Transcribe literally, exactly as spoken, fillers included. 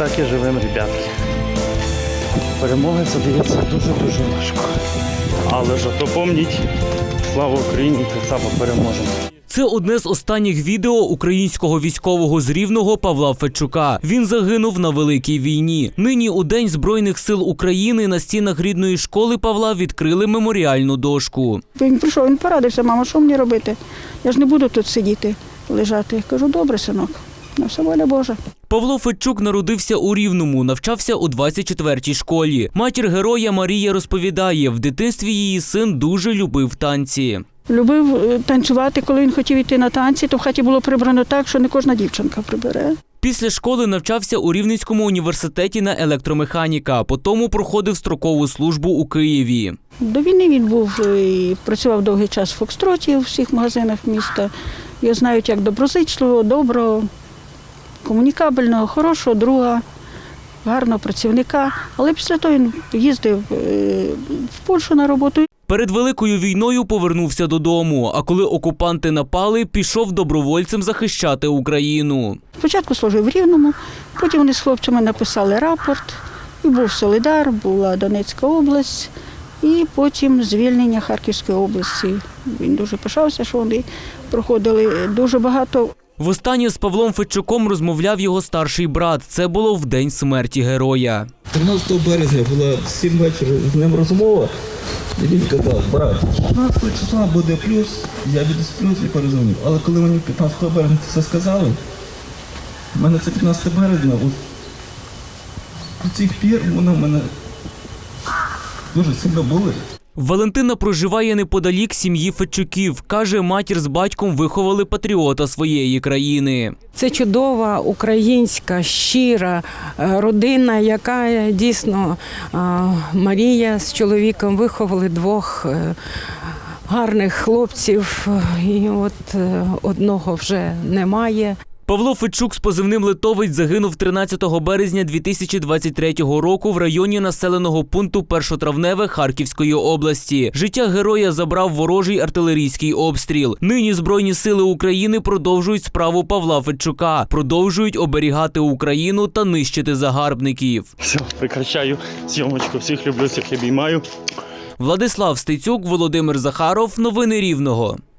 так і живемо, ребятки. Перемога це дається дуже-дуже важко. Але ж то помніть, слава Україні, так само переможемо. Це одне з останніх відео українського військового з Рівного Павла Федчука. Він загинув на Великій війні. Нині у День Збройних сил України на стінах рідної школи Павла відкрили меморіальну дошку. Він прийшов, він порадився: мама, що мені робити? Я ж не буду тут сидіти, лежати. Я кажу: добре, синок, на все воля Божа. Павло Федчук народився у Рівному, навчався у двадцять четвертій школі. Матір героя Марія розповідає, в дитинстві її син дуже любив танці. Любив танцювати, коли він хотів йти на танці, то в хаті було прибрано так, що не кожна дівчинка прибере. Після школи навчався у Рівненському університеті на електромеханіка, потім проходив строкову службу у Києві. До війни він був і працював довгий час в Фокстроті, у всіх магазинах міста. Його знають як доброзичливого, доброго, комунікабельного, хорошого друга, гарного працівника. Але після того він їздив в Польщу на роботу. Перед Великою війною повернувся додому, а коли окупанти напали, пішов добровольцем захищати Україну. Спочатку служив в Рівному, потім вони з хлопцями написали рапорт, і був Солидар, була Донецька область, і потім звільнення Харківської області. Він дуже пишався, що вони проходили дуже багато. Востаннє з Павлом Федчуком розмовляв його старший брат. Це було в день смерті героя. тринадцятого березня була в сім вечора з ним розмова, і він казав: брат, шістнадцятого числа буде плюс, я відсплюсь і перезвоню. Але коли мені п'ятнадцятого березня це все сказали, в мене це п'ятнадцятого березня, з цих пір воно в мене дуже сильно болить. Валентина проживає неподалік сім'ї Федчуків. Каже, матір з батьком виховали патріота своєї країни. Це чудова, українська, щира родина, яка дійсно Марія з чоловіком виховали двох гарних хлопців, і от одного вже немає. Павло Федчук з позивним «Литовець» загинув тринадцятого березня дві тисячі двадцять третього року в районі населеного пункту Першотравневе Харківської області. Життя героя забрав ворожий артилерійський обстріл. Нині Збройні сили України продовжують справу Павла Федчука, продовжують оберігати Україну та нищити загарбників. Все, прекращаю зйомочку. Всіх люблю, всіх обіймаю. Владислав Стецюк, Володимир Захаров. Новини Рівного.